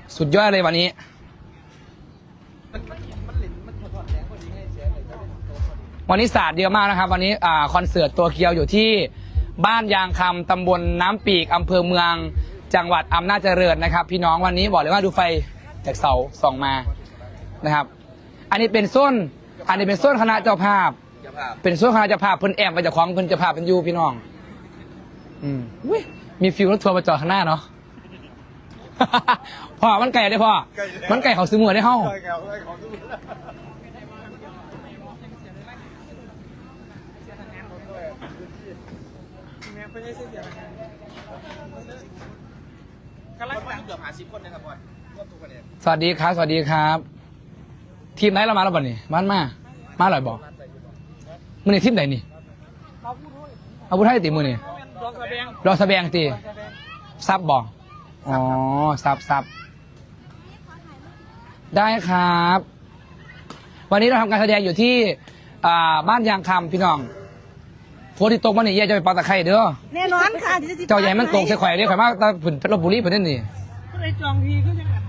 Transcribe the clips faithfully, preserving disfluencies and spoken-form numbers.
สุดยอดเลยวันนี้วันนี้ศาสตร์เยอะมากนะครับวันนี้อ่าคอนเสิร์ตตัวเกียวอยู่ที่บ้านยางคำตำบลน้ำปีกอำเภอเมืองจังหวัดอำนาจเจริญนะครับพี่น้องวันนี้บอกเลยว่าดูไฟจากเสาส่องมานะครับอันนี้เป็นส้นอันนี้เป็นส้นคณะเจ้าภาพเป็นส้นคณะเจ้าภาพเพิ่นแอมไปจากของเพิ่นเจ้าภาพเป็นยูพี่น้องอืมมีฟิวรถทัวร์มาจอดข้างหน้าเนาะ พ่อมันไก่ได้พ่อมันไก่เขาซื้อมือได้ห้องสวัสดีครับสวัสดีครับ ทีมไหนเรามาแล้วบ่นี่บ้านมามาหน่อยบอกมือนี่ทีมไหนนี่อาวุธไทยตีมือนี่รอแสดงตีซับบอกอ๋อซับซับได้ครับ วันนี้เราทำการแสดงอยู่ที่บ้านยางคำพี่น้องโฟติตกมาหนิเย่จะไปปาตะไคร้เด้อแน่นอนค่ะเจ้าใหญ่มันตกใส่ข่อยเด้อข่อยมากตาผุนเพชรบุรีประเด็นนี่ก็เลยจองทีก็ยัง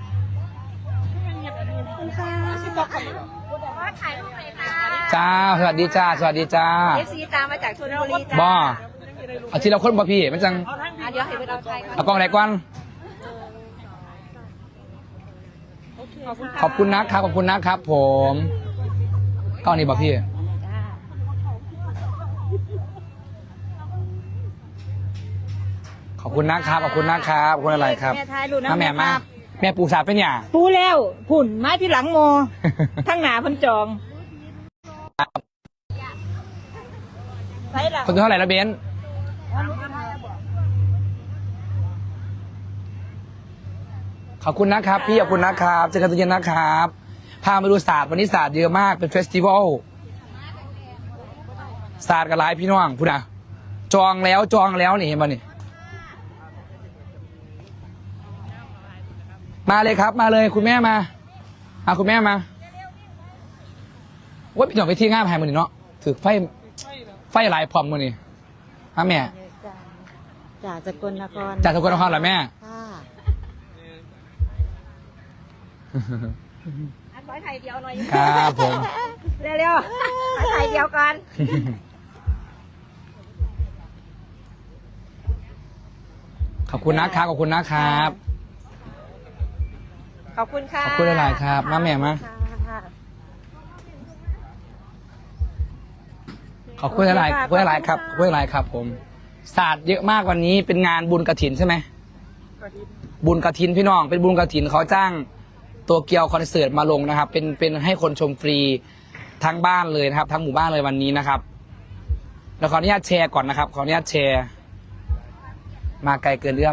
ค่ะถ่ายรูปเลยค่ะจ้าสวัสดีจ้าสวัสดีจ้าเอฟซีตามมาจากชลบุรีจ้าบ่อาทิตย์เราคนบ่พี่มันจังเดี๋ยวให้ไปเราไทยเอากล้องไหนก่อนขอบคุณนะครับขอบคุณนะครับผมกล้องนี้บ่พี่ขอบคุณนะครับขอบคุณนะครับขอบคุณอะไรครับแม่ทายดูนะแม่มาแม่ปูสาเป็นหยังปูแล้วผุ่นไม้ที่หลังโมทั้งหนาพันจองคนเท่าไหร่ละเบนขอบคุณนะครับพี่ขอบคุณนะครับเจอกันตอนเย็นนะครับพามาดูศาสตร์วันนี้ศาสตร์เยอะมากเป็นเฟสติวัลศาสตร์กับหลายพี่น้องพูดนะจองแล้วจองแล้วนี่เห็นป่ะนี่มาเลยครับมาเลยคุณแม่มาอ่ะคุณแม่มาว่าพี่หน่อยไปที่ง่ามหายมือนี่เนาะถือไฟไฟหลายพร้อมมือนี่ฮะแม่จากสกลนครจากสกลนครเหรอแม่อันไว้ไทยเดียวหน่อยครับผมเร็วๆไทยเดียวกันขอบคุณนะครับขอบคุณนะครับขอบคุณค่ะขอบคุณหลายๆครับมาแม่มาขอบคุณหลายๆขอบคุณหลายๆครับขอบคุณหลายๆครับผมศาสตร์เยอะมากวันนี้เป็นงานบุญกฐินใช่ไหมบุญกฐินพี่น้องเป็นบุญกฐินเขาจ้างตัวเกียวคอนเสิร์ตมาลงนะครับเป็นเป็นให้คนชมฟรีทั้งบ้านเลยนะครับทั้งหมู่บ้านเลยวันนี้นะครับแล้วขออนุญาตแชร์ก่อนนะครับขออนุญาตแชร์มาไกลเกินเอื้อม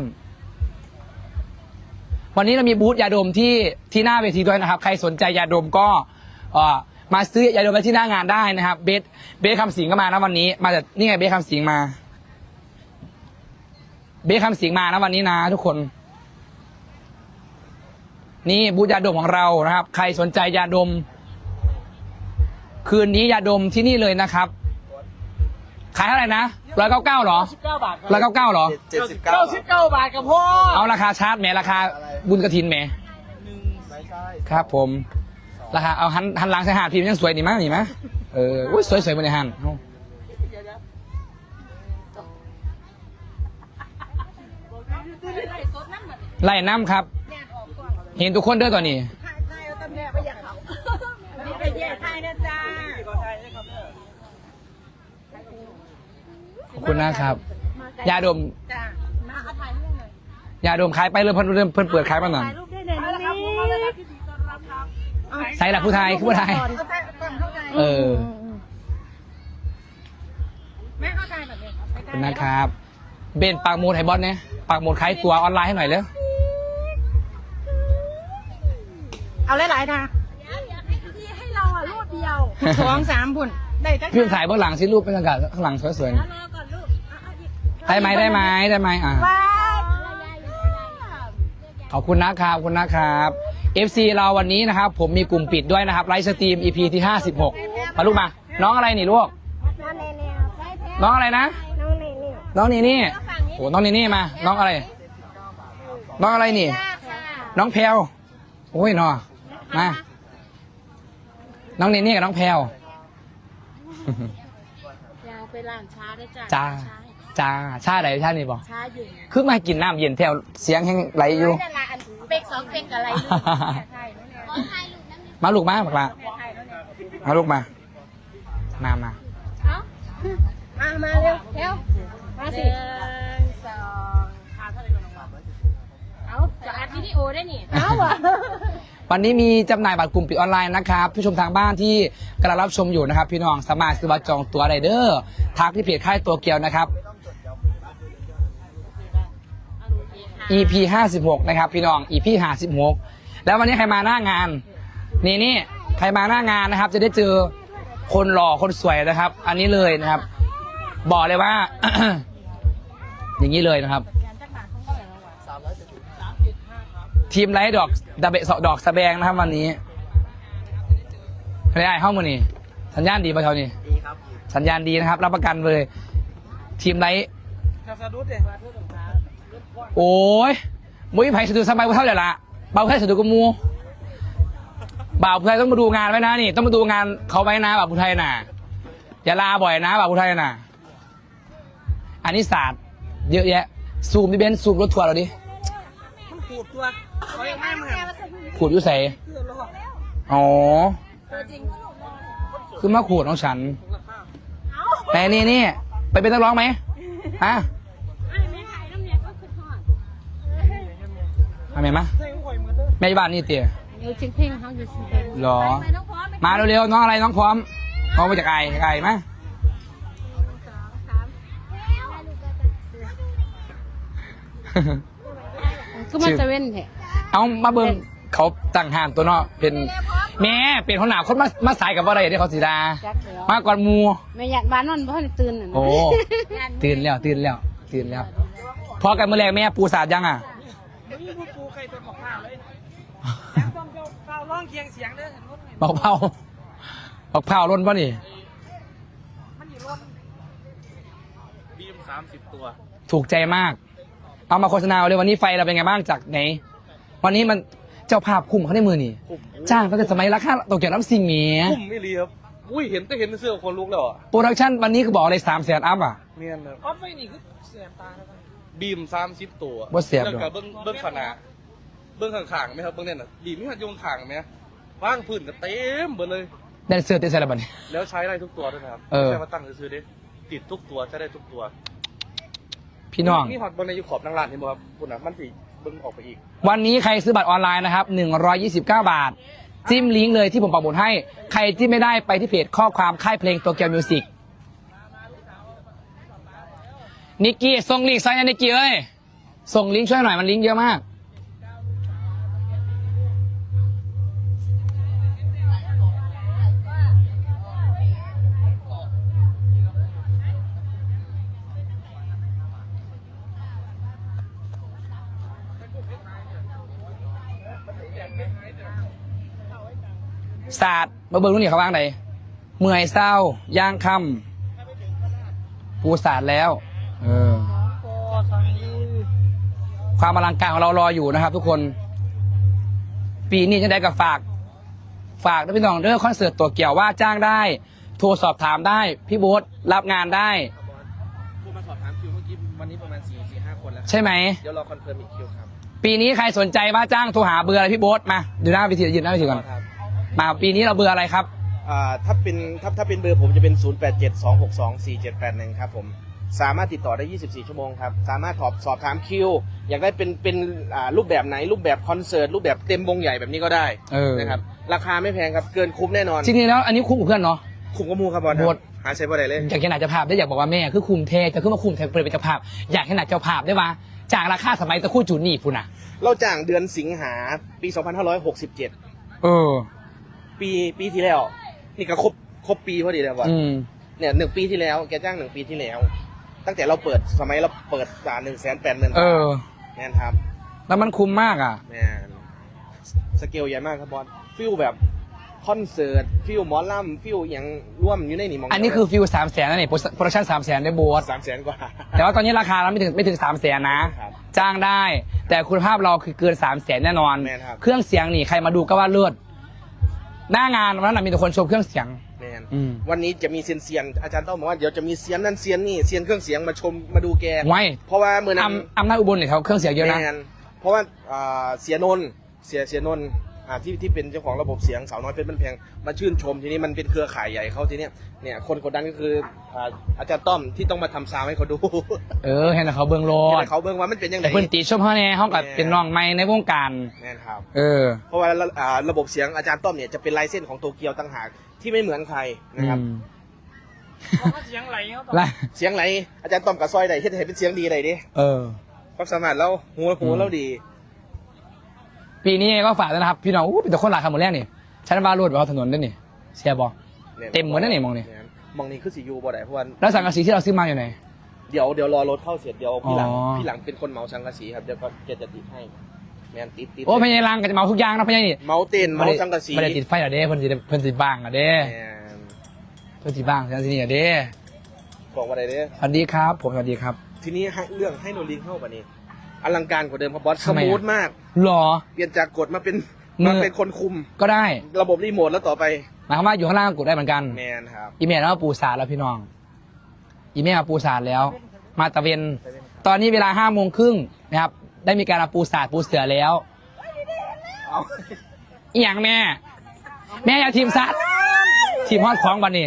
วันนี้เรามีบูธยาดมที่ที่หน้าเวทีด้วยนะครับใครสนใจยาดมก็มาซื้อยาดมไปที่หน้างานได้นะครับเบสเบสคำสิงก็มานะวันนี้มาจากนี่ไงเบสคำสิงมาเบสคำสิงมานะวันนี้นะทุกคนนี่บูธยาดมของเรานะครับใครสนใจยาดมคืนนี้ยาดมที่นี่เลยนะครับขายเท่าไหร่นะร้อยเก้าเก้าหรอร้อยเก้าเก้าหรอเจ็ดสิบเก้าเก้าสิบเก้าบาทกับพ่อเอาราคาชาร์จแหมราคาบุญกฐินแหมครับผมราคาเอาหันหันหลังใส่หาดพี่มันยังสวยดีมากนี่มั้ยเอออุ้ยสวยสวยบนในหันไล่น้ำครับเห็นทุกคนเด้อตอนนี้ขอบคุณนะครับยาดมยาดมขายไปเริ่มเพิ่นเริ่มเพิ่นเปิดขายมาหน่อยใส่หลักผู้ไทยผู้ไทยเออขอบคุณนะครับเบนปากมูดไฮบอสเนี่ยปากมูดขายตัวออนไลน์ให้หน่อยเลยเอาหลายๆนะให้เราอ่ะรูปเดียวสองสามพุ่นได้พี่ถ่ายเบื้องหลังสิรูปเป็นอากาศข้างหลังสวยๆได้ไหมได้ไหมได้ไหมอ่ะขอบคุณนะครับขอบคุณนะครับ เอฟ ซี เราวันนี้นะครับผมมีกลุ่มปิดด้วยนะครับไลฟ์สตรีม อี พี ที่ห้าสิบหกมาลูกมาน้องอะไรนี่ลูกน้องอะไรนะน้องนี่นี่โอ้น้องนี่นี่มาน้องอะไรน้องอะไรนี่น้องแพลวโอ้ยเนาะมาน้องเนนี่กับน้องแพลวอยาไปร้านชาได้จ้ะจ้าจ้าชาไหนชานี่บอกชาเย็นคือมากินน้ำเย็นแถวเสียงแห้งไหลอยู่ได้ละอันเป็กสองเป็กอะไรลูกไทยนั่นแหละมาลูกมาบอกละไทยนั่นแหละมาลูกมามามาเอามามาเร็วเร็วมาสิหนึ่งสองเอาจะอัดวิดีโอได้นี่เอาวะวันนี้มีจำหน่ายบัตรกลุ่มปิดออนไลน์นะครับผู้ชมทางบ้านที่กำลังรับชมอยู่นะครับพี่น้องสามารถซื้อบัตรจองตั๋วไรเดอร์ทักที่เพจค่ายตัวเกียวนะครับ อี พี ห้าสิบหกนะครับพี่น้อง อี พี ห้าสิบหกแล้ววันนี้ใครมาหน้างานนี่นี่ใครมาหน้างานนะครับ จะได้เจอคนหล่อคนสวยนะครับ อันนี้เลยนะครับ บอกเลยว่า อย่างนี้เลยนะครับ ทีมไลท์ดอกดาเบะดอกสะแบงนะครับวันนี้ไม่ได้ห้องมือนี่สัญญาณดีป่ะเท่านี้ดีครับสัญญาณดีนะครับรับประกันเลยทีมไลท์โอ้ยมุ้ยไผ่สะดุดสบายเท่าไหร่ละเบาแค่สะดุดกับมูบ่าวผู้ไทยต้องมาดูงานไว้นะนี่ต้องมาดูงานเขาไว้นะบ่าวผู้ไทยน่ะอย่าลาบ่อยนะบ่าวผู้ไทยน่ะอันนี้ศาสตร์เยอะแยะซูมดิเบนซูมรถทัวร์เราดิขูดตัวเขายังไม่มาขูดยุ่ใส่อ๋อคือมาขูดน้องฉันแต่นี่นี่ไปเป็นนักร้องไหมฮะทำไมมะแม่บ้านนี่เตี๋ยอยู่จริงเพ่งเขาอยู่จริงเพ่งหรอมาเร็วๆน้องอะไรน้องพร้อมน้องมาจากไก่ไก่ไหมก็มันจะเว้นแหละเอามาเบิ่งเขาตั้งห่านตัวเนาะเป็นแม่เป็นคนหนาวคนมามาสายกับว่าอะไรเดี๋ยวเขาสีดามาก่อนมูแม่ยันบ้านนอนเพราะตื่นน่ะโอ้ตื่นแล้วตื่นแล้วตื่นแล้วพอกันเมื่อแรกแม่ปูสาดยังอ่ะปูใครตัวบอกข้าวเลยต้องเจ้าข้าวร้องเคียงเสียงเด้อบอกเผาบอกเผาล้นป่ะนี่มันอยู่ร้อนบีมสามสิบตัวถูกใจมาก เอามาโฆษณาเลยวันนี้ไฟเราเป็นไงบ้างจากไหน วันนี้มันเจ้าภาพคุ้มเขาได้มือนี่จ้างตั้งแต่สมัยราคาตกเกี่ยวน้ำซิงเมียคุ้มไม่รีครับอุ้ยเห็นแต่เห็นเสื้อคนลุกแล้วอ่ะโปรดักชั่นวันนี้คือบอกเลยสามแสนอัพอ่ะเนียนเลยออฟไฟนี่คือเสียบตาแล้วบีมสามสิบตัวบ่เสียบหรอกแล้วก็เบิ้งเบิ้งขนาดเบิ้งข้างๆไหมครับเบิ้งเนี่ยน่ะบีมไม่หัดโยงข้างไหมว่างพื้นก็เต็มหมดเลยแดนเซอร์เต้นใส่ระบัดนี้แล้วใช้ได้ทุกตัวด้วยนะครับเออไม่ใช่มาตั้งซื้อๆดิติดทุกตัวใช้ได้ทุกตัวพี่น้องนี่ฮอตบนในยูขอบนางลานเห็นบ่ครับคุณอ่ะมันสิเบิ้งออกไปอีกวันนี้ใครซื้อบัตรออนไลน์นะครับหนึ่งร้อยยี่สิบเก้าบาท จิ้มลิงก์เลยที่ผมปักหมุดให้ ใครที่ไม่ได้ไปที่เพจข้อความค่ายเพลงตัวเกียวมิวสิกนิกกี้ส่งลิงก์ใส่นะนิกกี้เอ้ยส่งลิงก์ช่วยหน่อยมันลิงก์เยอะมากศาสตร์มาเบิ่งรุ่นนี้เขาบ้างไหนเมื่อยเศร้าย่างคำปูศาสตร์แล้ว เออ ความอลังการของเรารออยู่นะครับทุกคน ปีนี้จะได้กับฝาก ฝากด้วยพี่น้องเด้อคอนเสิร์ตตัวเกี่ยวว่าจ้างได้ โทรสอบถามได้ พี่โบ๊ทรับงานได้ผู้มาสอบถามคิวเมื่อกี้วันนี้ประมาณสี่สี่ห้าคนแล้วใช่ไหมเดี๋ยวรอคอนเฟิร์มอีกคิวครับปีนี้ใครสนใจว่าจ้างโทรหาเบอร์อะไรพี่โบ๊ทมาดูหน้าวิธียืนหน้าวิธีก่อนครับมาปีนี้เราเบอร์อะไรครับอ่าถ้าเป็นถ้าถ้าเป็นเบอร์ผมจะเป็น ศูนย์ แปด เจ็ด สอง หก สอง สี่ เจ็ด แปด หนึ่ง ครับผมสามารถติดต่อได้ ยี่สิบสี่ ชั่วโมงครับสามารถสอบสอบถามคิวอยากได้เป็นเป็นอ่ารูปแบบไหนรูปแบบคอนเสิร์ตรูปแบบเต็มวงใหญ่แบบนี้ก็ได้เออนะครับราคาไม่แพงครับเกินคุ้มแน่นอนจริงๆแล้วอันนี้คุ้มกับเพื่อนเนาะคุ้มกว่าหมูครับบอลโหดหาใช้บ่ได้เลยอยากเห็นหน้าเจ้าภาพได้อยากบอกว่าแม่คือคุมเทจะขึ้นมาคุมเทเปิดเป็นเจ้าภาพอยากเห็นหน้าเจ้าภาพได้ว่าจากราคาสมัยตะคู่จูนี่พูน่ะเราจ้างเดือนสิงหาปี สองพันห้าร้อยหกสิบเจ็ดเออปีปีที่แล้วนี่ก็ครบครบปีพอดีแล้วบอลอืมเนี่ยหนึ่งปีที่แล้วแกจ้างหนึ่งปีที่แล้ว ตั้งแต่เราเปิดสมัยเราเปิดสาหนึ่งแสนแปดหมื่นเออแน่นครับแล้วมันคุ้มมากอ่ะแมนสเกลใหญ่มากครับบอลฟิลแบบคอนเสิร์ตฟิลหมอลำฟิลอย่างร่วมอยู่ในนี่มองอันนี้คือฟิวสามแสนนั่นเองโปรดักชั่นสามแสนได้โบสสามแสนกว่าแต่ว่าตอนนี้ราคาเราไม่ถึงไม่ถึงสามแสนนะครับจ้างได้ แต่คุณภาพเราคือเกินสามแสนแน่นอนแม่นครับเครื่องเสียงนี่ใครมาดูก็ว่าเลิศหน้างานวันนั้นนะมีแต่คนชมเครื่องเสียงแมนอืมวันนี้จะมีเซียนเซียนอาจารย์ต้องบอกว่าเดี๋ยวจะมีเซียนนั่นเซียนนี่เซียนเครื่องเสียงมาชมมาดูแกไว้เพราะว่าเมื่อนั้นอำอำนาจอุบลเนี่ยเขาเครื่องเสียงเยอะนะแมนเพราะว่าอ่าเสียนนท์เสียเสียนนท์อ่าที่ที่เป็นเจ้าของระบบเสียงสาวน้อยเพชรบ้านแพงมาชื่นชมทีนี้มันเป็นเครือข่ายใหญ่เขาทีเนี้ยเนี่ยคนกดดันก็คืออ่าอาจารย์ต้อมที่ต้องมาทำซาวด์ให้เขาดูเออเห็นแต่เขาเบิ้งโลให้ดเขาเบิ่งว่ามันเป็นยังไงแต่เพิ่นตีชมเขาแน่เขากับเป็นน้องใหม่ในวงการแมนครับเออเพราะว่าอ่าระบบเสียงอาจารย์ต้อมเนี่ยจะเป็นลายเส้นของโตเกียวต่างหากที่ไม่เหมือนใครนะครับอืมเสียงไหลเขาและเสียงไหนอาจารย์ต้อมกับซอยใดเฮ็ดให้เป็นเสียงดีใดดิเออความสามารถเราหัวหัวเราดีปีนี้ก็ฝากด้วยนะครับ พี่น้องอู้เป็นแต่คนหลายคำหมดแรกนี่ชั้นบาร์โรดบนถนนด้วยนี่เชียร์บอ เต็มหมดนะนี่มองนี่มองนี่คือสียูบ่ได้เพราะว่าแล้วสังกะสีที่เราซื้อมาอยู่ไหนเดี๋ยวเดี๋ยวรอรถเข้าเสร็จเดี๋ยวพี่หลังอ๋อพี่หลังเป็นคนเหมาสังกะสีครับเดี๋ยวก็แกจะติดให้แมนติดติดโอ้พญายรังก็จะเมาทุกอย่างนะพญายนี่เมาเต้นเมาสังกะสีไม่ได้ติดไฟเหรอเด้เพิ่นสิเพิ่นสิบ้างเหรอเด้แมนเพิ่นสิบ้างสังกะสีนี่เหรอเด้บอกว่าอะไรเด้อสวัสดีครับ ผมสวัสดีครับทีนี้ให้เรื่องให้โนลิงเข้าป่ะนี่อลังการกว่าเดิมครับบอสสทำไมอะมูทมากหรอเปลี่ยนจากกดมาเป็นมือมาเป็นคนคุมก็ได้ระบบรีโมทแล้วต่อไปหมายความว่าอยู่ข้างล่างก็กดได้เหมือนกันแมนครับอีเมลแล้วมาปูสาดแล้วพี่น้อง อีเมลมาปูสาดแล้ว มาตะเวน ตอนนี้เวลาห้าโมงครึ่งนะครับ ได้มีการมาปูสาดปูเสือแล้วเอาอีหยังแม่ แม่อยาทีมซัดทีมฮอดของบันนี่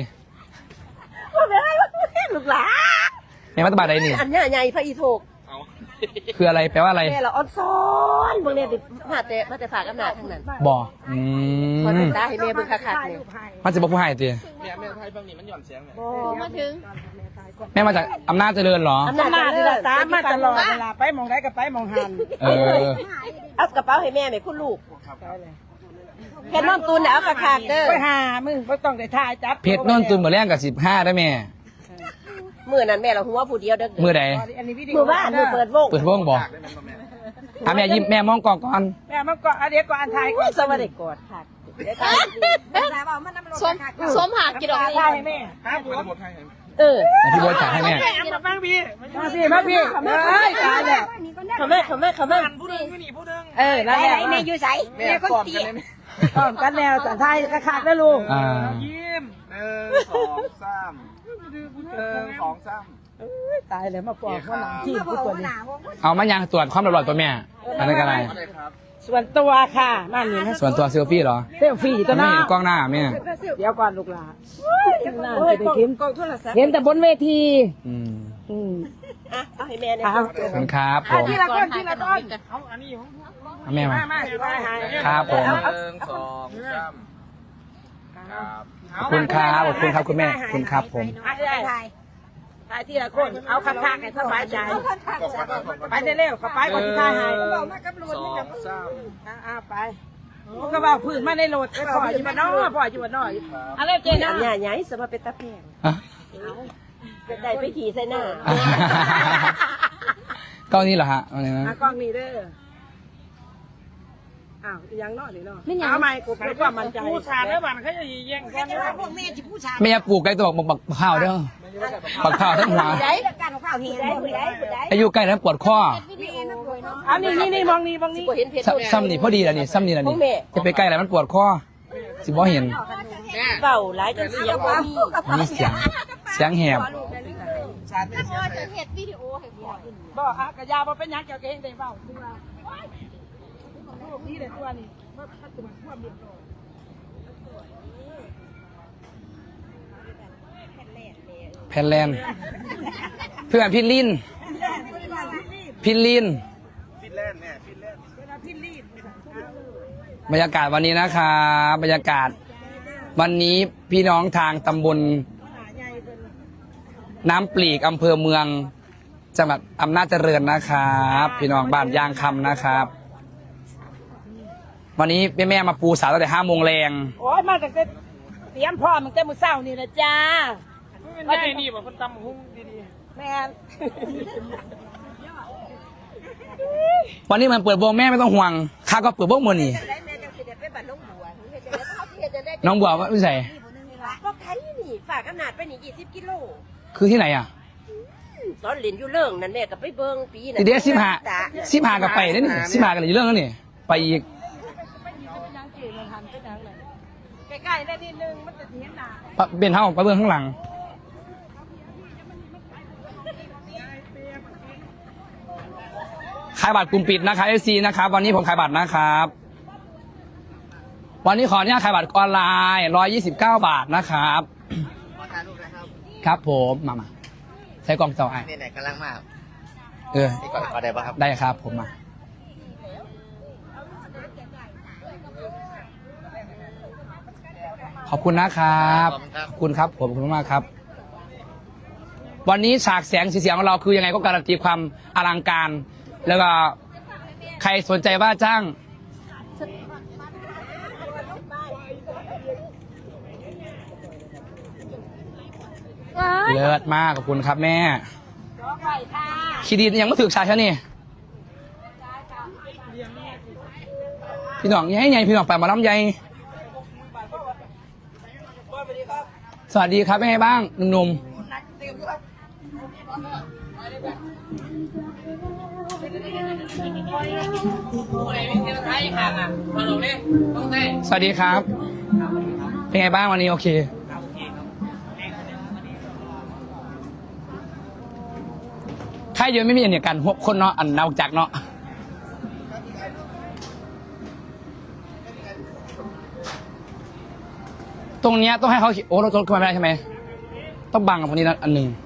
ลูกหลานแม่มาตบาดใดนี่อันเนี้ยใหญ่พระอีโถกเอาคืออะไรแปลว่าอะไรแม่เราอ่อนซ้อนเบิ่งเนี่ยดิมาแต่มาแต่ฝากอำนาจทั้งนั้นบ่อืคอยมเป็นตาให้แม่เบิ่งคักๆเนี่ยมันจะบอกผู้ให้ตีแม่แม่ไทยบางนี่มันหย่อนเสียงไหมมาถึงแม่มาจากอำนาจเจริญเหรออำนาจหน้าที่เลิเราศตามมาตลอดเวลาไปหมองได้ก็ไปหมองหันเออเอากระเป๋าให้แม่แม่คุณลูกแค่น้องตูนน่ะเอาคักๆเด้อไปหามึงไม่ต้องได้ถ่ายจับเพชรนนตุนเหมือนแรงกับสิบห้าได้แม่มื้อนั้นแม่เราหัวผู้เดียวเด้อมือใดอันนี้วิดีโอมื้อบ้านมื้อเปิดวงเปิดวงบอกได้ไหมครับแม่อ่ะแม่ยิ้มแม่มองกล้องก่อนแม่มันก็อันเดียวก็อันถ่ายก่อนสวัสดีกอดค่ะสมสมหากินดอกถ่ายให้แม่ครับผมหมดให้เห็นเออพี่โบ๊ทจ่ายให้แม่มาฟังพี่มาพี่มาพี่เฮ้ยตายแล้วเขาแม่เขาแม่เขาแม่ผู้นึงผู้นี้ผู้นึงเออนั่นแหละแม่อยู่ไสแม่กอดกันเลยไหมพร้อมกันแล้วแต่ถ่ายกระขาดแล้วลูกอ่ายิ้มหนึ่งสองสามหนึ่งสองสามตายแล้วมาปอกว่าหนังที่ผู้ตัวนี้เอามายังตรวจความเรียบร้อยตัวแม่ อันนั้นก็อะไรอะไรครับส่วนตัวค่ะมานี่นะส่วนตัวเซลฟี่เหรอเซลฟี่ตัวไม่น้าเห็นกล้องหน้าแม่เดี๋ยวก่อนลูกหลานน่าจะได้กินเห็นแต่บนเวทีอืมอืมอ่ะเอาให้แม่เนี่ยเอาขอบคุณครับผมทีละต้นทีละต้นเอาอันนี้เอาแม่มามามาไปหาครับผมหนึ่งสองสามครับขอบคุณครับขอบคุณครับคุณแม่ขอบคุณครับผมถ่ายได้ถ่ายทีละคนเอาคักๆให้สบายใจไปเร็วๆเข้าไปก่อนที่ถ่ายให้สองสามอ่าไปมันก็ว่าพื้นมาในรถไปปล่อยอยู่บ้านนอกปล่อยอยู่บ้านนอกอะไรเจอัน่านใหญ่ใหญ่สมาเป็นตะแพงอ่ะจะได้ไปขี่ใส่หน้ากล้องนี้เหรอฮะอะไรนะกล้องนี้เด้ออ้าวยังนอกหรือเนาะเอาใหม่กูเพื่อความมั่นใจผู้ชายแล้วบ้านเขาจะแย่งกันพวกแม่ที่ผู้ชายแม่ปลูกไก่ตัวบอกบักข้าวเด้อบักข้าวทั้งหัวได้การของข้าวเฮียได้ผู้ใดผู้ใดอายุใกล้แล้วปวดข้ออันนี้นี่นี่มองนี่มองนี่บ่เห็นเพชรซ้ำซ้ำนี่พอดีแล้วนี่ซ้ำนี่แล้วนี่จะไปใกล้แล้วมันปวดข้อสิบ่เห็นเบาหลายจนเสียงว่ามีอันนี้เสียงเสียงแหบบ่ฮะกระยาบ่เป็นหยังเกี่ยวกับเฮงได้เบ้าตัวลูกนี่เด้ตัวนี้ว่าถ้าตัวมันท่วมเรียบร้อยแพนแลนด์เพื่อนพี่ลินพี่ลินฟินแลนด์แม่ฟินแลนด์บรรยากาศวันนี้นะครับบรรยากาศ วันนี้พี่น้องทางตำบลน้ำปลีกอำเภอเมืองจังหวัดอำนาจเจริญนะครับ พี่น้องบ้านยางคำนะครับ วันนี้แม่แม่มาปูสาวตั้งแต่ห้าโมงแรงโอ้ยมาตั้งแต่เตรียมพร้อมตั้งแต่มื้อเช้านี่นะจ้าไม่ได้นี่บ่คนตำหุ้งดีๆแม่นวันนี้มันเปิดวงแม่ไม่ต้องห่วงข้าก็เปิดวงมือนี่ได้แม่จังสิได้ไปบ้านน้องบัวเฮ็ดจังได๋เขาเฮ็ดจังได๋น้องบัวว่าไม่ใส่ก็ใครนี่ฝากขนาดไปนี่ยี่สิบกิโลคือที่ไหนอ่ะตอนเรียนอยู่เรื่องนั่นแม่ก็ไปเบิ่งปีนั่นทีเดียวสิบห้าสิบห้ากับไปได้นี่สิบห้ากันอยู่เรื่องแล้วนี่ไปอีกใกล้ๆได้นิดนึงมันจะเห็นหนาปะเป็นเท่าไปเบื้องข้างหลังขายบัตรกลุ่มปิดนะครับเอฟซีนะครับวันนี้ผมขายบัตรนะครับ วันนี้ขออนุญาตขายบัตรออนไลน์ร้อยยี่สิบเก้าบาทนะครับขอถ่ายรูปนะครับครับผมมามาใช้กล่องเจ้าไอ้นี่ไหนกำลังมากเออนี่ก่อนขอได้ป่ะครับได้ครับผมมาขอบคุณนะครับขอบคุณครับผมขอบคุณมากครับ วันนี้ฉากแสงสีเสียงของเราคือยังไงก็การันตีความอลังการ แล้วก็ใครสนใจว่าจ้างเลิศมากขอบคุณครับแม่คีดียังไม่ถึกชายชะนี่พี่น้องยังไงพี่น้องไปมาล้ำใหญ่สวัสดีครับเป็นไงบ้างหนุ่มๆสวัสดีครับเป็นไงบ้างวันนี้โอเคใครเยอะไม่มีอันเดียวกันหกคนเนาะอันเนาจักเนาะตรงเนี้ยต้องให้เขาโอ้เราจดขึ้นมาไม่ได้ใช่ไหมต้องบังกับคนนี้นะอันหนึ่ง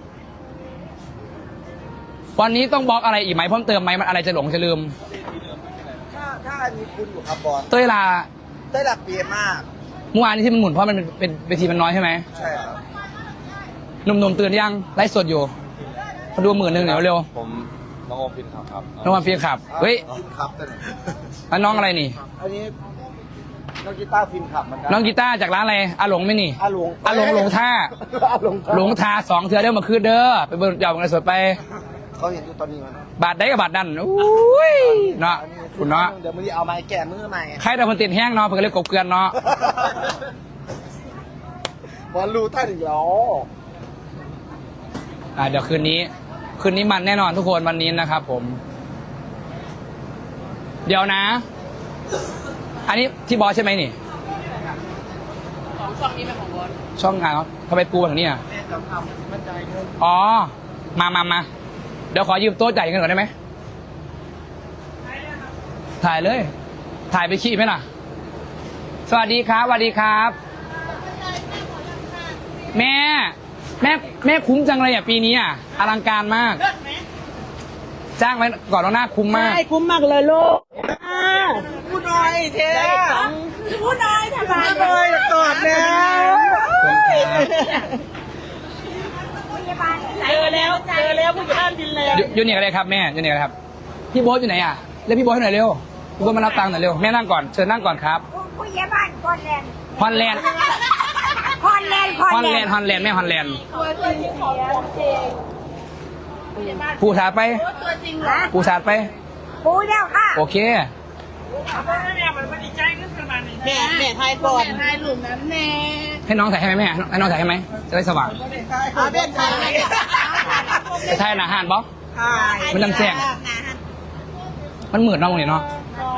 วันนี้ต้องบล็อกอะไรอีกไหมเพิ่มเติมไหมมันอะไรจะหลงจะลืมถ้าถ้ามีคุณอยู่ครับบอลเต้ยลาได้หลักเปียมากเมื่อวานนี้ที่มันหมุนเพราะมันเป็นเวทีมันน้อยใช่ไหมใช่ครับหนุ่มๆตื่นยังไลฟ์สดอยู่มาดูหมื่นหนึ่งเดี๋ยวเร็วผมน้องโอมฟินครับครับน้องวันเฟียขับเฮ้ยฟินขับแต่ไหนแล้วน้องอะไรนี่อันนี้น้องกีตาร์ฟินขับเหมือนกัน้องกีตาร์จากร้านอะไรอาหลงไหม่นี่อาหลงอาหลงหลงท่าอาหลงหลงทาสองเทือเด้อมาคืนเด้อไปเบิร์ยาวกันสดไปเขาเห็นอยู่ตอนนี้มันบาทได้กับบาทนั่นอุ้ยเนาะคุณเนาะเดี๋ยวมึงเอาไม้แก่มือใหม่ใครแต่คนติดแห้งเนาะเพื่อเลยกบเกลือนเนาะบอลรู้ท่านอีกแล้วอ่าเดี๋ยวคืนนี้ คืนนี้มันแน่นอนทุกคนวันนี้นะครับผม เดี๋ยวนะ อันนี้ที่บอสใช่ไหมนี่ช่องนี้เป็นของบอสช่องงานเขาทำไมปูแบบนี้อ่ะอ๋อมามามาเดี๋ยวขอยืมโต๊ะจ่ายเงินก่อนได้ไหมถ่ายเลย ถ่ายไปขี้ไหมล่ะ สวัสดีครับสวัสดีครับ แม่ แม่แม่คุ้มจังเลยอ่ะปีนี้อ่ะอลังการมาก จ้างไว้ก่อนแล้วหน้าคุ้มมากใช่คุ้มมากเลยลูกพูดหน่อยเทพูดน้อยทำไมพูดหน่อยกอดแล้วเจอแล้วเจอแล้วผู้ใหญ่บ้านบินแล้วอยู่อยู่นี่กันเลยครับแม่อยู่นี่กันเลยครับ พี่โบ๊ทอยู่ไหนอ่ะเรียกพี่โบ๊ทให้หน่อยเร็วพี่โบ๊ทมารับตังค์หน่อยเร็วแม่นั่งก่อนเชิญนั่งก่อนครับผู้ใหญ่บ้านคอนแลนด์ฮอนแลนด์คอนแลนด์ฮอนแลนด์ฮอนแลนด์แม่ฮอนแลนด์ตัวจริงของจริงผู้สาดไปตัวจริงนะผู้สาดไปปูแล้วค่ะโอเคแม่แม่ไทยก่อนไทยหลุมนั้นแน่ให้น้องถ่ายให้ไหมแม่ให้น้องถ่ายให้ไหมจะได้สว่างเอาเป็นไทยจะถ่ายหนาหานบ๊อบมันลำแจ้งมันเหมือนน้องเนี่ยเนาะ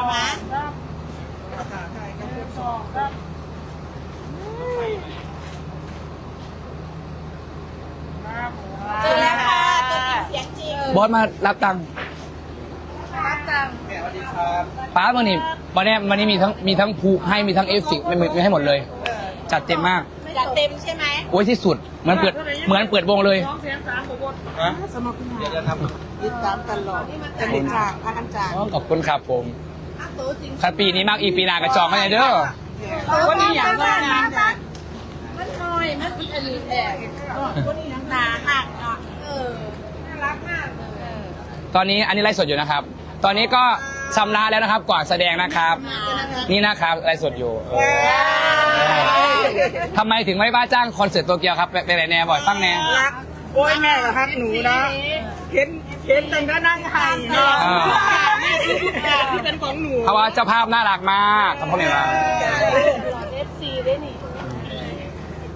เจอแล้วค่ะตัวจริงเสียงจริงบอสมารับตังค์รับจังสวัสดีครับป้าวันนี้วันนี้วันนี้มีทั้งมีทั้งผูให้มีทั้งเอฟสิกไม่มีให้หมดเลย จัดเต็มมากจัดเต็มใช่ไหมโอ้ยที่สุดเหมือนเปิดเหมือนเปิดวงเลยสมองคุณเดี๋ยวนะครับติดตามตลอดจะเป็นจางพักกันจางอ๋อขอบคุณครับผมตัวจริงถ้าปีนี้มากอีกปีหน้ากระจองไม่ได้เด้อวันนี้อย่างว่ามันมันน้อยมันเป็นอันนี้แหละวันนี้หนาหักเนาะเออน่ารักมากเลยตอนนี้อันนี้ไลฟ์สดอยู่นะครับ ตอนนี้ก็ชำระแล้วนะครับก่อนแสดงนะครับ นี่นะครับไลฟ์สดอยู่เออทำไมถึงไม่บ้าจ้างคอนเสิร์ตโตเกียวครับไปไหนแน่บ่อยฟังแน่รักโอ้ยแม่กับฮักหนูนะเห็นเห็นแต่ก็นั่งไห้เนาะอ่านี่คือทุกอย่างที่เป็นของหนูเพราะว่าเจ้าภาพน่ารักมากขอบคุณมากเอฟซีได้นี่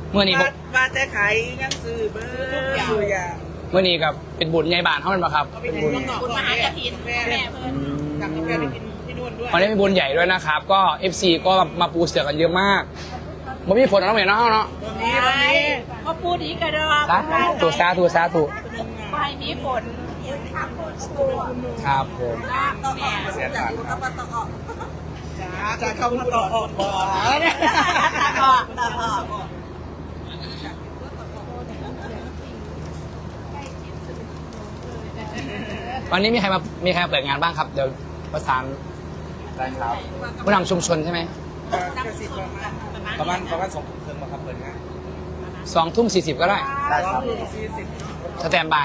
เมื่อนี้ผมว่าแต่ขายยังซื้อเบอร์ซื้อยาเมื่อนี้กับเป็นบุญใหญ่บานเท่านั้นปะครับเป็นบุญคุณมหากฐินแม่แม่เพิ่นกลับกาแฟไปกินที่นู่นด้วยวันนี้เป็นบุญใหญ่ด้วยนะครับ ก็ เอฟ ซี ก็มาปูเสือกันเยอะมากมันมีฝนน้องเหม็นเนาะเนาะวันนี้วันนี้ก็พูดอีกกระดอสาธุสาธุสาธุไปมีฝนครับผมเสียตังค์จะเข้ามาต่อออกบ่อตาออกตาออกวันนี้มีใครมามีใครมาเปิดงานบ้างครับ เดี๋ยวประสานได้ครับผู้นำชุมชนใช่ไหมประมาณประมาณสองทุ่มครึ่งมาครับเปิดงานสองทุ่มสี่สิบก็ได้ได้ครับสแตนบาย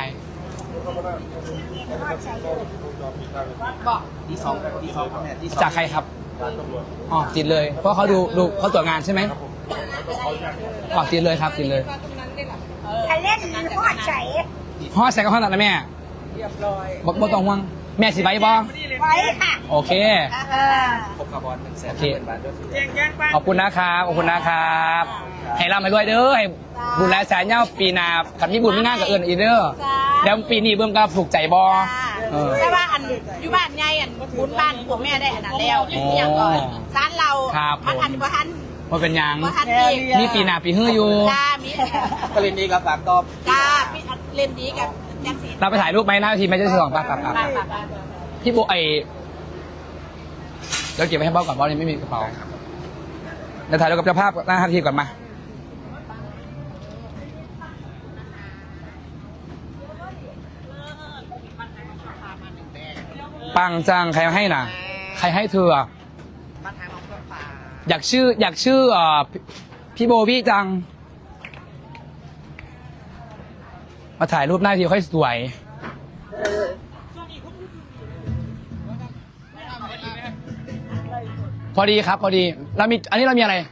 ที่สองที่สองครับแม่ที่สองจากใครครับอ๋อติดเลย เพราะเขาดูดูเขาตรวจงานใช่ไหมอ๋อติดเลยครับติดเลยใครเล่นหัวใจพ่อใส่กระเพาะตัดนะแม่เรียบร้อยบ่บ่ต้องห่วงแม่สิไว้บ่ไว้ค่ะโอเคครบคาร์บอนหนึ่งแสนโอเคห้าหมื่นบาทด้วยแจ้งแจ้งป้าขอบคุณนะครับขอบคุณนะครับให้ร่ำให้รวยเด้อให้บุญหลายแสนเย้าปีหน้ากับพี่บุญไม่ง่ายกับเอิญอีกเด้อเดี๋ยวปีนี้เบิ่งก็ถูกใจบ่เออแต่ว่าอันอยู่บ้านไงอันบุญบ้านพวกแม่ได้อันนั้นแล้วอย่างก่อนร้านเรามันอันบ่ทันว่าเป็นหยังบ่ทันอีกนี่ปีหน้าปีฮื้ออยู่จ้ามีก็เลยนี้ครับฝากตอบจ้าพี่เล่นดีกับแจ็คสีเราไปถ่ายรูปไหมหน้าทีไม่ใช่สองปากปากปากพี่โบไอเดี๋ยวเก็บไว้ให้เบ้าก่อนเบ้านี่ไม่มีกระเป๋าเดี๋ยวถ่ายรูปกับเจ้าภาพหน้าทีก่อนมาปังจังใครให้น่ะ ใครให้เธออะอยากชื่อ อยากชื่อเอ่อพี่พี่โบวี่จัง มาถ่ายรูปหน้าทีค่อยสวย พอดีครับ พอดีเรามีอันนี้เรามีอะไร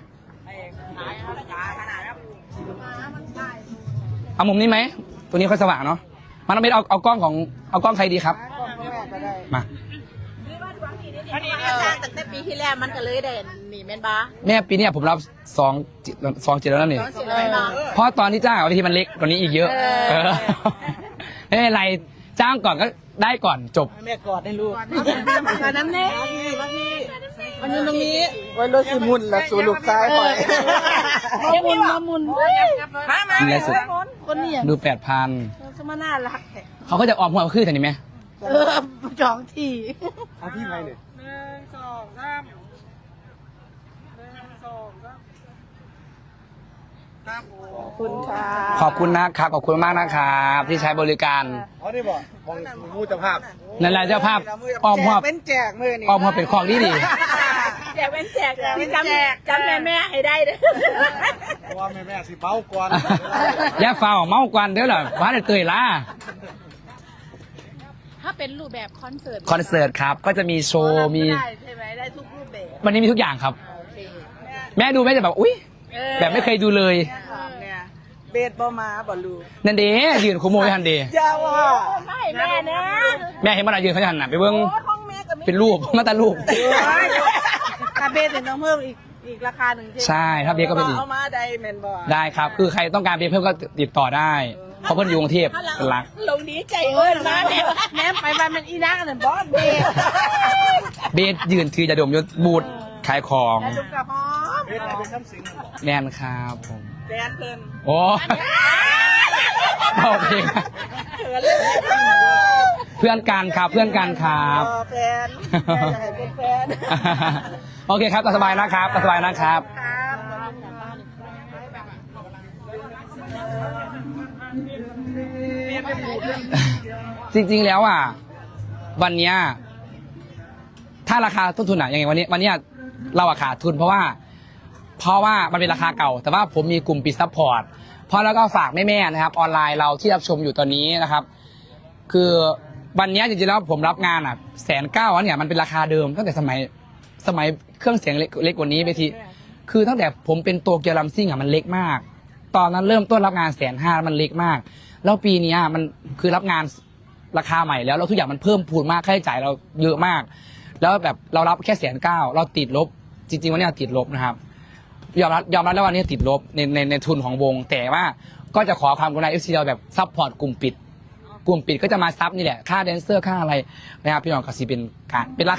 เอามุมนี้ไหมตัวนี้ค่อยสว่างเนาะมันต้องเป็นเอาเอากล้องของเอากล้องใครดีครับมาอันนี้สร้างตั้งแต่ปีที่แล้วมันก็เลยได้หนีแม่นบ้าแม่ปีเนี้ยผมรับสองสองเจ็ดแล้วนี่เสร็จแล้วเนาะเพราะตอนที่จ้างเอาทีมันเล็กกว่านี้อีกเยอะเออเออไม่เป็นไรจ้างก่อนก็ได้ก่อนจบแม่กอดให้ลูกตอนนั้นเนี่ยมันอยู่ตรงนี้ไว้รถสิมุนละสู่ลูกซ้ายคอยมามุนมามุนมามามีอะไรสุดคนนี้ดูแปดพันสมาน่ารักเขาก็จะออมหัวขึ้นแต่นี่ไหมเออจองที่เอาที่ไหนเนี่ยหนึ่งสองสามหนึ่งสองสามครับผมขอบคุณค่ะขอบคุณนะครับขอบคุณมากนะครับที่ใช้บริการอ๋อนี่บอกมองมูเจ้าภาพนั่นแหละเจ้าภาพออมหัวเป็นแจกมือนี่ออมหัวเป็นของดีดีแจกเป็นแจกจำจำแม่แม่ให้ได้เด้อเพราะว่าแม่แม่สิเป้าก่อนอย่าเฝ้าเมากวนเด้อล่ะว่าจะเตยล่ะถ้าเป็นรูปแบบคอนเสิร์ตคอนเสิร์ตครับก็จะมีโชว์มีได้ใช่ไหมได้ทุกรูปแบบวันนี้มีทุกอย่างครับโอเคแม่ดูแม่จะแบบอุ้ยเออแบบไม่เคยดูเลยเนี่ยเบสบ่มาบ่ลูกนั่นเดยืนคุมโมยทันเดอย่าว่าไม่แม่นะแม่เห็นมันอะยืนเขาจะหันหน้าไปเบิ้งห้องแม่ก็มีเป็นรูปมาแต่รูปถ้าเบสเนี่ยต้องเพิ่มอีกอีกราคาหนึ่งใช่ถ้าเบสก็เป็นอีกเอามาได้แมนบ่ได้ครับ คือใครต้องการเบสเพิ่มก็ติดต่อได้เพราะเพิ่นอยู่กรุงเทพเป็นหลักลงดีใจเอิ้นมาแม่แม่ไปบ้านมันอีนักน่ะบอสเบสเบสยืนถือยาดมยศบูดขายของลูกกระหอมเบสเป็นซ้ำสิงแมนครับผมแฟนเพิ่นโอ้โอเคเพื่อนกันครับเพื่อนกันครับเออแฟนแฟนอยากให้เป็นแฟนโอเคครับตามสบายนะครับตามสบายนะครับ จริงๆ แล้วอ่ะ วันเนี้ยถ้าราคาต้นทุนอ่ะยังไงวันนี้วันเนี้ยเราอะขาดทุนเพราะว่า เพราะว่ามันเป็นราคาเก่า แต่ว่าผมมีกลุ่มปิดซัพพอร์ตเพราะแล้วก็ฝากแม่ๆนะครับ ออนไลน์เราที่รับชมอยู่ตอนนี้นะครับ คือวันเนี้ยจริงๆแล้วผมรับงานอ่ะแสนเก้าเนี่ยมันเป็นราคาเดิมตั้งแต่สมัยสมัยเครื่องเสียงเล็กเล็กกว่านี้ไปทีคือตั้งแต่ผมเป็นโตเกียวลัมซิ่งอ่ะมันเล็กมาก ตอนนั้นเริ่มต้นรับงานแสนห้ามันเล็กมาก แล้วปีนี้มันคือรับงานราคาใหม่แล้วแล้วทุกอย่างมันเพิ่มพูนมากค่าใช้จ่ายเราเยอะมาก แล้วแบบเรารับแค่แสนเก้าเราติดลบจริงๆวันนี้ติดลบนะครับยอมรับยอมรับแล้ววันนี้ติดลบในในในทุนของวง แต่ว่าก็จะขอความกรุณาเอฟซีเราแบบซัพพอร์ตกลุ่มปิด กลุ่มปิดก็จะมาซับนี่แหละค่าแดนเซอร์ค่าอะไรนะครับพี่น้องก็สิเป็นการเป็นรา